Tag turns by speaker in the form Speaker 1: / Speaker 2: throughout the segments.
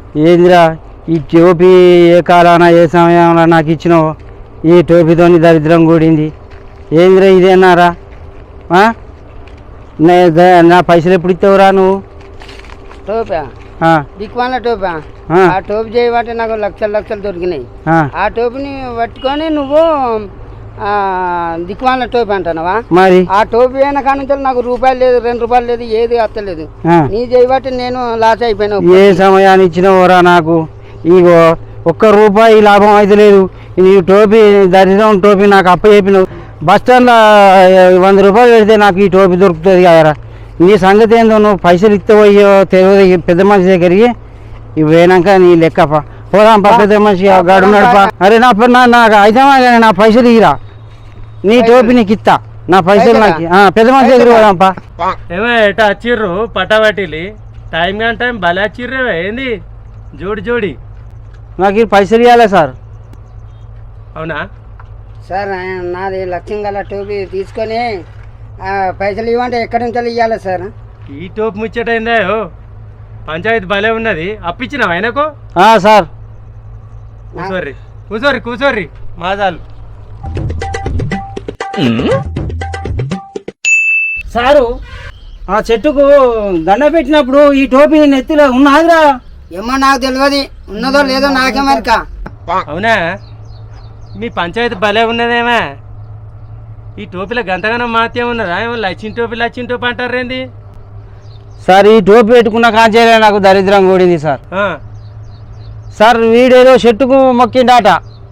Speaker 1: ఏందిరా ఈ టోపీ ఏ కాలాన ఏ సమయంలో నాకు ఇచ్చినావు? ఈ టోపీతోని దరిద్రం కూడింది. ఏందిరా ఇదేనారా? నా పైసలు ఎప్పుడు ఇస్తావురా నువ్వు?
Speaker 2: టోపా దిక్కుమాల టోపా ఆ టోపీ చేయబట్టి నాకు లక్షలు దొరికినాయి. ఆ టోపీని పట్టుకొని నువ్వు దిక్కుమాల టోపీ అంటున్నావా?
Speaker 1: మరి
Speaker 2: ఆ టోపీ అయిన కానుంచి నాకు రూపాయలు లేదు, 2 రూపాయలు లేదు, ఏది అత్తలేదు. నీ చేయబట్టి నేను లాస్ అయిపోయినా.
Speaker 1: ఏ సమయాన్ని ఇచ్చినవరా నాకు? ఇగో ₹1 లాభం అయితే లేదు. నీ టోపీ దరిద్రం టోపీ నాకు అప్ప చెప్పినావు. బస్ స్టాండ్లో ₹100 పెడితే నాకు ఈ టోపీ దొరుకుతుంది కదరా. నీ సంగతి ఏందో, నువ్వు పైసలు ఇస్తావయ్యో తెలియదు పెద్ద మనిషి దగ్గరికి. ఇవి పోయినాక నీ లెక్కప పోదాంపా, పెద్ద మనిషి గాడు నడపా. అరే నాకు అయితే నా పైసలు ఇరా, నీ టోపీ నీకు ఇస్తా, నా పైసలు నాకు పెద్ద మనిషి దగ్గర పోదాంపా.
Speaker 3: ఏమో ఎట వచ్చిర్రు పటాబట్టిలి, టైం కానీ టైం భలే వచ్చిర్రేవే. ఏంది జోడి
Speaker 1: నాకు ఈ పైసలు ఇవ్వాలి సార్.
Speaker 3: అవునా
Speaker 2: సార్? నాది లక్ష్యం గల టోపీ తీసుకొని పైసలు ఇవ్వంటే ఎక్కడి నుంచి ఇవ్వాలి సార్?
Speaker 3: ఈ టోపీ ముచ్చటైందా? పంచాయతీ భలే ఉన్నది. అప్పించినావు ఆయనకు?
Speaker 1: సార్
Speaker 3: కూసోర్రి మాజాలు.
Speaker 1: సారు ఆ చెట్టుకు దండ పెట్టినప్పుడు ఈ టోపీ నెత్తిలో ఉన్నదిరా?
Speaker 2: ఏమో నాకు తెలియదు, ఉన్నదో లేదో నాకేమరిక.
Speaker 3: అవునా? మీ పంచాయతీ భలే ఉన్నదేమా? ఈ టోపీలో గంతగానం మాత్యం ఉన్నదా? ఏమో లచ్చిన టోపీ అంటారేంది
Speaker 1: సార్? ఈ టోపీ పెట్టుకున్న కాంచేలే నాకు దరిద్రం కూడింది సార్. సార్ వీడేదో చెట్టుకు మొక్కిండాట,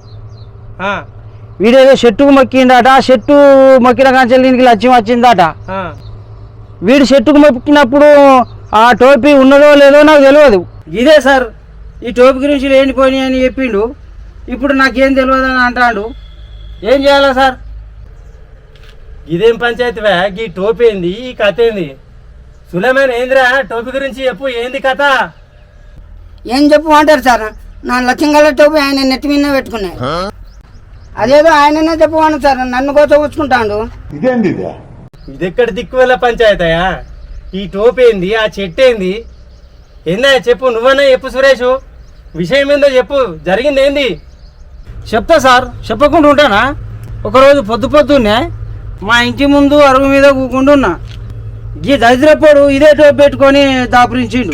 Speaker 1: చెట్టు మొక్కిన కాంచెలు దీనికి లక్ష్యం వచ్చిందట. వీడు చెట్టుకు మొక్కినప్పుడు ఆ టోపీ ఉన్నదో లేదో నాకు తెలియదు. ఇదే సార్ ఈ టోపీ గురించి లేనిపోయి అని చెప్పిండు. ఇప్పుడు నాకేం తెలియదు అని అంటాడు. ఏం చేయాలా సార్?
Speaker 3: ఇదేం పంచాయతీవా? ఈ టోపీ ఏంది, ఈ కథ ఏంది? సులేమాన్ ఏందిరా టోపీ గురించి చెప్పు, ఏంది కథ?
Speaker 2: ఏం చెప్పు అంటారు సార్? నా లక్ష్యం గల టోపీ ఆయన నెత్తి మీద పెట్టుకున్నాయి. అదేదో ఆయననే చెప్పమను సార్, నన్ను కోసం ఉంచుకుంటాడు.
Speaker 3: ఇది ఎక్కడ దిక్కువల్ల పంచాయతీయా? ఈ టోపీ ఏంది, ఆ చెట్టు ఏంది? ఏందా చెప్పు, నువ్వన్నా చెప్పు సురేష్, విషయం ఏందో చెప్పు, జరిగింది ఏంది?
Speaker 1: చెప్తా సార్, చెప్పకుండా ఉంటానా? ఒకరోజు పొద్దున్నే మా ఇంటి ముందు అరుగు మీద కూకుంటున్నా. ఈ దరిద్రపోడు ఇదే టోపీ పెట్టుకొని దాపురించిండు.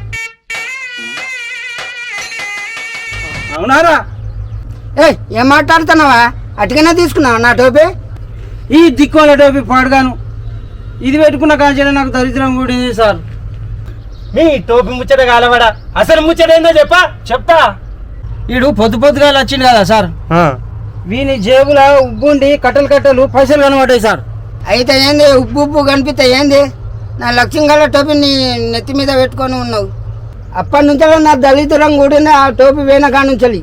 Speaker 1: అవునారా?
Speaker 2: ఏం మాట్లాడుతున్నావా? అటుకనే తీసుకున్నావా నా టోపీ?
Speaker 1: ఈ దిక్కువల టోపీ పాడుగాను ఇది పెట్టుకున్న కాంచెల నాకు దరిద్రం కూడింది సార్.
Speaker 3: మీ టోపీ ముచ్చట కాలవాడా? అసలు ముచ్చట ఏందో చెప్తా.
Speaker 1: వీడు పొద్దుగా వచ్చింది కదా సార్, వీని జేబుల ఉబ్బుండి కట్టలు పైసలు కనబడ్డాయి సార్.
Speaker 2: అయితే ఏంది ఉబ్బు కనిపిస్తే ఏంది? నా లక్ష్యం గల టోపీ నీ నెత్తి మీద పెట్టుకొని ఉన్నావు. అప్పటి నుంచి నా దళితురం కూడిన ఆ టోపీ వేన కానుంచాలి.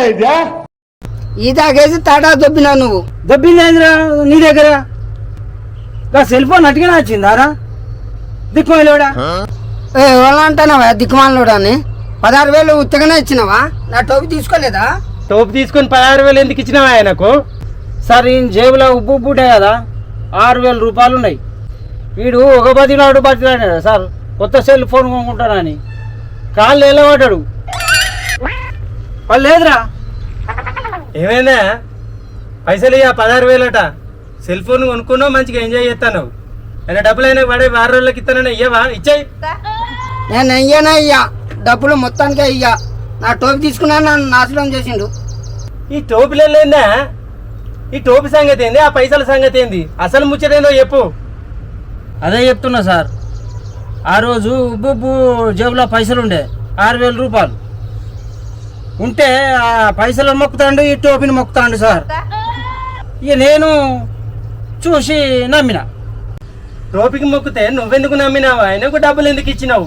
Speaker 2: ఈ తాగేసి తాటా దొబ్బినావు నువ్వు.
Speaker 1: దొబ్బిందేంద్రా నీ దగ్గర? సెల్ ఫోన్ అటుగానే వచ్చిందారా దిక్కుమాలోడా?
Speaker 2: ఎవరు అంటున్నావా దిక్కుమాలోడా అని? 16,000 ఉత్తగానే ఇచ్చినావా? నా టోపీ తీసుకోలేదా?
Speaker 3: టోపీ తీసుకొని 16,000 ఎందుకు ఇచ్చినావా ఆయనకు?
Speaker 1: సార్ ఈయన జేబులో ఉబ్బుంటాయి కదా, 6,000 రూపాయలు ఉన్నాయి. వీడు ఒక బతిలాడు సార్, కొత్త సెల్ ఫోన్ కొనుక్కుంటానని కాళ్ళు వెళ్ళబడ్డాడు. వాళ్ళు లేదురా.
Speaker 3: ఏమైందా? పైసలు ఇక 16,000 సెల్ ఫోన్ కొనుక్కున్నావు, మంచిగా ఎంజాయ్ చేస్తాను. అయినా డబ్బులు అయినా పడే 6 రోజులకి ఇస్తానని ఇయ్యవా? ఇచ్చాయి.
Speaker 2: నేను అయ్యానా ఇయ్యా డబ్బులు మొత్తానికే ఇయ్యా. నా టోపీ తీసుకున్నా నన్ను నాశనం చేసిండు.
Speaker 3: ఈ టోపీలో ఏందా? ఈ టోపీ సంగతి ఏంది, ఆ పైసల సంగతి ఏంది? అసలు ముచ్చటేందో చెప్పు.
Speaker 1: అదే చెప్తున్నా సార్. ఆ రోజు ఉబ్బు జేబులో పైసలు ఉండే 6,000 రూపాయలు ఉంటే ఆ పైసలు మొక్కుతాండు, ఈ టోపీని మొక్కుతాండు సార్. ఇక నేను చూసి నమ్మిన.
Speaker 3: టోపీకి మొక్కితే నువ్వెందుకు నమ్మినావు? ఆయనకు డబ్బులు ఎందుకు ఇచ్చినావు?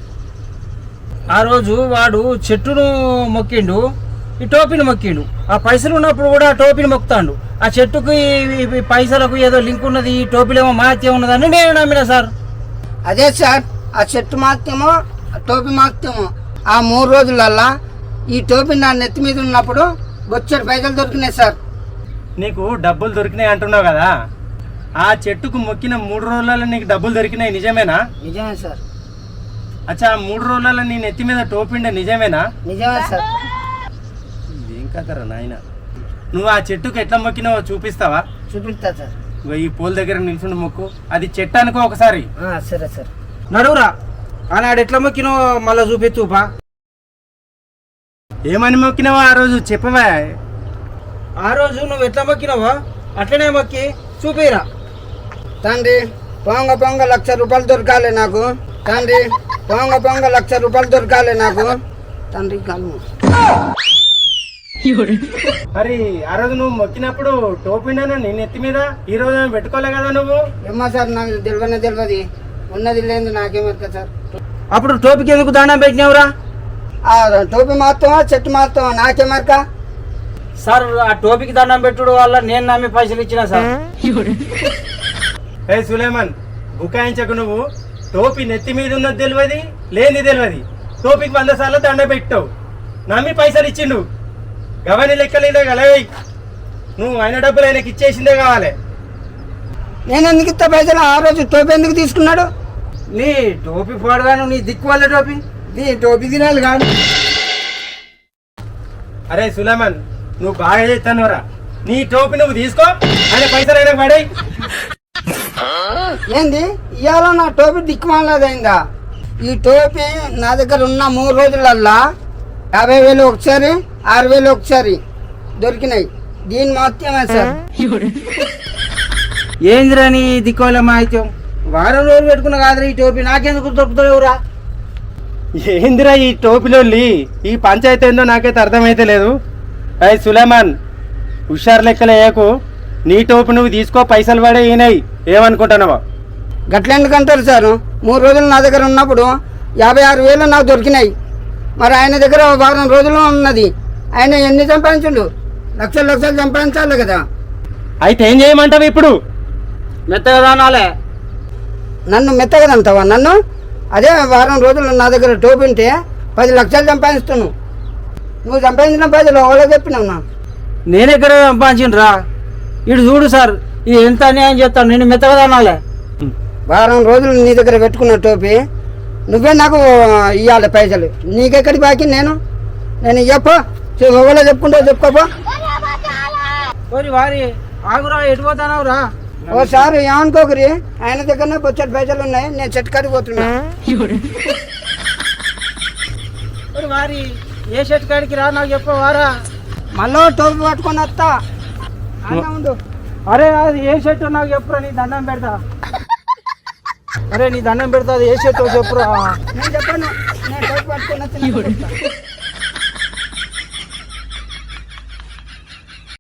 Speaker 1: ఆ రోజు వాడు చెట్టును మొక్కిండు, ఈ టోపీని మొక్కిండు. ఆ పైసలు ఉన్నప్పుడు కూడా టోపీని మొక్కుతాండు. ఆ చెట్టుకు ఈ పైసలకు ఏదో లింక్ ఉన్నది, ఈ టోపీలో ఏమో మాత్యం ఉన్నదని నేను నమ్మిన సార్.
Speaker 2: అదే సార్, ఆ చెట్టు మాత్యమో టోపీ మాత్యమో ఆ 3 రోజులల్లా ఈ టోపీ నా నెత్తి మీద ఉన్నప్పుడు బొచ్చడి పైసలు దొరికినాయి సార్.
Speaker 3: నీకు డబ్బులు దొరికినాయి అంటున్నావు కదా, ఆ చెట్టుకు మొక్కిన 3 రోజులలో నీకు డబ్బులు దొరికినాయి, నిజమేనా?
Speaker 2: నిజమే సార్.
Speaker 3: అచ్చా 3 రోజులలో నీ నెత్తి మీద టోపిండే నిజమేనా?
Speaker 2: నిజమే సార్.
Speaker 3: ఏం కదరా నాయన, నువ్వు ఆ చెట్టుకు ఎట్లా మొక్కినావో చూపిస్తావా?
Speaker 2: చూపిస్తా సార్.
Speaker 3: ఇగో ఈ పోల్ దగ్గర నిల్చుండి మొక్కు, అది చెట్టు అనుకో ఒకసారి.
Speaker 2: సరే సార్.
Speaker 1: నడువురా, ఆనాడు ఎట్లా మొక్కినో మళ్ళా చూపిస్తుపా.
Speaker 3: ఏమని మొక్కినావో ఆ రోజు చెప్పవా?
Speaker 1: ఆ రోజు నువ్వు ఎట్లా మొక్కినావో అట్లనే మొక్కి చూపిరా.
Speaker 2: తండ్రి పొంగ పొంగ 1,00,000 రూపాయలు దొరకాలి నాకు. తండ్రి పొంగ పొంగ 1,00,000 రూపాయలు దొరకాలి నాకు. తండ్రి కాలు.
Speaker 3: మరి ఆ రోజు నువ్వు మొక్కినప్పుడు టోపిండాను నీ నెత్తి మీద, ఈ రోజు ఏమో పెట్టుకోలే కదా నువ్వు?
Speaker 2: ఏమో సార్, నాకు తెలియదు. ఉన్నది లేదు నాకేమవుతుంది సార్.
Speaker 1: అప్పుడు టోపీకి ఎందుకు దండం పెట్టినావురా?
Speaker 2: ఆ టోపీ మాత్రమా చెట్టు మాత్రమా నాకేమరక?
Speaker 1: సార్ ఆ టోపీకి దండం పెట్టుడు వల్ల నేను నమ్మి పైసలు ఇచ్చిన సార్.
Speaker 3: ఏ సులేమాన్, బుకాయించకు నువ్వు. టోపీ నెత్తి మీద ఉన్నది తెలియదు, లేని తెలియదు. టోపీకి 100 సార్లు దండ పెట్టావు, నమ్మి పైసలు ఇచ్చిండు. గవని లెక్కలేదే గలవై. నువ్వు ఆయన డబ్బులు ఆయనకి ఇచ్చేసిందే కావాలి.
Speaker 2: నేను ఎందుకు ఇస్తా పైసలు? ఆ రోజు టోపీ ఎందుకు తీసుకున్నాడు?
Speaker 1: నీ టోపీ పోడగాను, నీ దిక్కు వల్ల టోపీ.
Speaker 2: నీ టోపీ తినాలి కాదు.
Speaker 3: అరే సులేమాన్, నువ్వు బాగా చేస్తానురా. నీ టోపీ నువ్వు తీసుకో, ఆయన పైసలు ఆయన పడే.
Speaker 2: ఏంది ఇవాళ నా టోపీ దిక్కుమాలదైందా? ఈ టోపీ నా దగ్గర ఉన్న 3 రోజులల్లా 50,000 ఒకసారి, 6,000 ఒకసారి దొరికినాయి. దీని మొత్తమే సార్.
Speaker 1: ఏందిరా నీ దిక్కువల్ల మాహిత్యం? వారం రోజులు పెట్టుకున్నా కాదురా ఈ టోపీ, నాకెందుకు దొరుకుతావురా?
Speaker 3: ఏందిరా ఈ టోపీలో ఈ పంచాయతీ ఏందో నాకైతే అర్థమైతే లేదు. అయ్యి సులేమాన్, హుషారు లెక్కలు వేయకు. నీ టోపీ నువ్వు తీసుకో, పైసలు పడే ఈనాయి. ఏమనుకుంటున్నావా?
Speaker 2: గట్ల ఎందుకంటారు సార్? 3 రోజులు నా దగ్గర ఉన్నప్పుడు 56,000 నాకు దొరికినాయి. మరి ఆయన దగ్గర వారం రోజులు ఉన్నది. ఆయన ఎన్ని సంపాదించుండు? లక్షలు సంపాదించాలి కదా.
Speaker 3: అయితే ఏం చేయమంటావు ఇప్పుడు?
Speaker 1: మెత్తగా దానాలే.
Speaker 2: నన్ను మెత్తగదంటావా? నన్ను అదే వారం రోజులు నా దగ్గర టోపీ ఉంటే 10 లక్షలు సంపాదిస్తున్నావు. నువ్వు సంపాదించిన పైసలు ఎవరో చెప్పినావు నా?
Speaker 1: నేనెక్కడ సంపాదించిండ్రా? ఇటు చూడు సార్, ఇది ఎంత అన్యాయం చేస్తాను. నేను మెత్తగా దానాలే.
Speaker 2: వారం రోజులు నీ దగ్గర పెట్టుకున్న టోపీ నువ్వే నాకు ఇవ్వాలి పైసలు. నీకెక్కడి బాకీ? నేను ఇవ్వపో. ఎవరో చెప్పుకుంటా చెప్పుకోపో.
Speaker 1: వారి ఆగురా, ఎటు పోతానవురా?
Speaker 2: ఓసారి ఏమనుకోకరి, ఆయన దగ్గరనే బొచ్చటి పైసలు ఉన్నాయి. నేను చెట్టు కడిగి పోతున్నా.
Speaker 1: వారి ఏ షర్ట్ కాడికి రా, నాకు చెప్పవారా?
Speaker 2: మళ్ళీ టోపీ పట్టుకొని వస్తా. అన్నా ఉండు.
Speaker 1: అరే అది ఏ షర్ట్ నాకు చెప్పురా, నీ దండం పెడతా. అరే నీ దండం పెడతా, అది ఏ షర్ట్ చెప్పురా.
Speaker 2: నేను చెప్పాను, నేను టోపీ పట్టుకొని వచ్చి